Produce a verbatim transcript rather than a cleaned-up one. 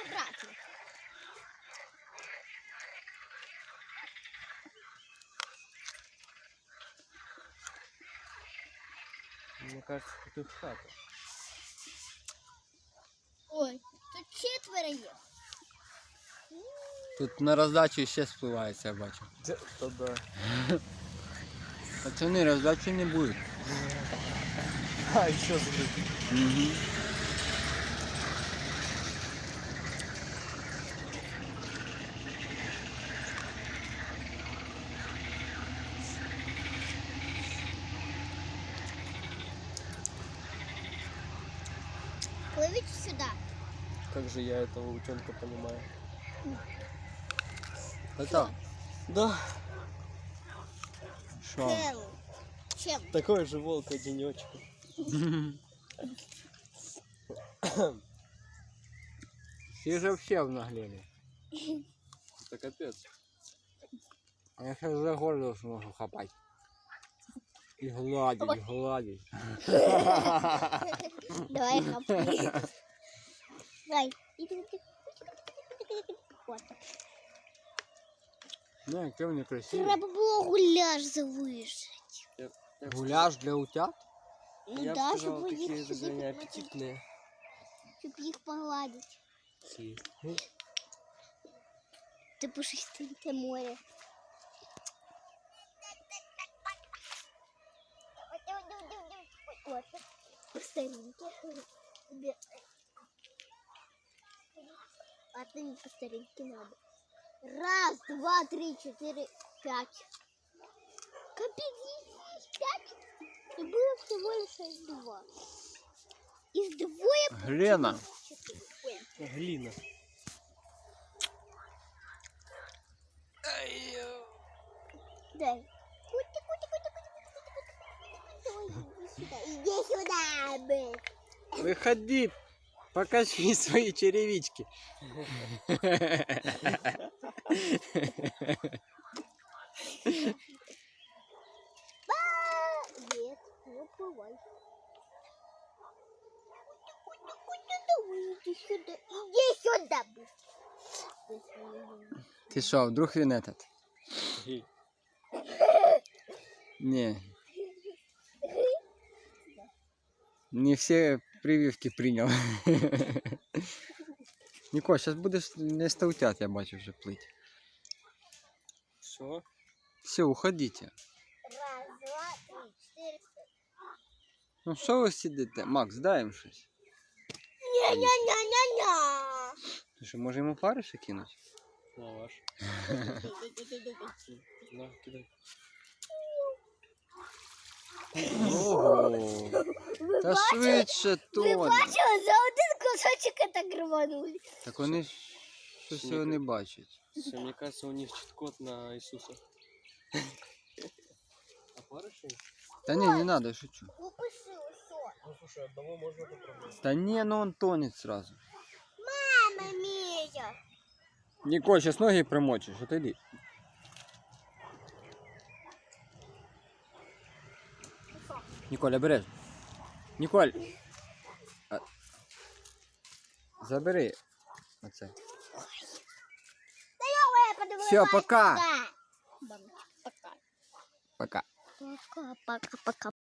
брать их. Мне кажется, тут хата. Ой, тут четверо є. Тут на роздачу ще спливається, я бачу. То да. Пацани, роздачі не буде. А, еще забыть. Угу. Плывите сюда. Как же я этого утенка понимаю. Это? Да. Що? Чем? Чем? Такой же волк одиночка. Всі же все обнаглели. Это капец. А я сейчас за горло смогу хапать. И гладить, гладить. Давай хапай. Давай. Вот. Ну, яке вони красиві. Треба було гуляш залишити. Гуляш для утят? Ну Я бы да, сказал, щоб такие їх, же они щоб, аппетитные. щоб їх погладити. Си. Ти пушистеньке море. Вот. По-старинке. А ты не по старинке надо. Раз, два, три, четыре, пять. Капец, есть пять. И было всего лишь два. Из двое... Глена. Глина. Дай. Кути, кути, кути, кути, кути, кути, кути. Иди сюда, бэк. Выходи, покажи свои черевички. Нет, не уплывай. Иди сюда, иди сюда. Ты что, вдруг він этот? Гей. Не. Не все прививки принял. Нико, сейчас будешь не стаутят, я бачу вже плыть. Все. Все, уходите. Раз, два, три, четыре, пять. Ну що ви сидите? Макс, дай їм щось. Ня-ня-ня-ня-ня. Ти що, може йому париші кинуть? На ваш. На, кидай. Ого. Та швидше Ви тоне. бачили, за один кусочок так рванули. Так вони ж щось його не бачать. Все, мне кажется, у них чит-код на Иисуса. А парыши? Та ні, не надо, я шучу. Упиши усьо. Ну слушай, одного можно попробовать. Та ні, ну он тонет сразу. Мама мія. Николь, сейчас ноги промочишь, отойди. Николь, обережно. Николь. А... Забери. Оце. Всё, пока. Пока. Пока. Пока, пока, пока.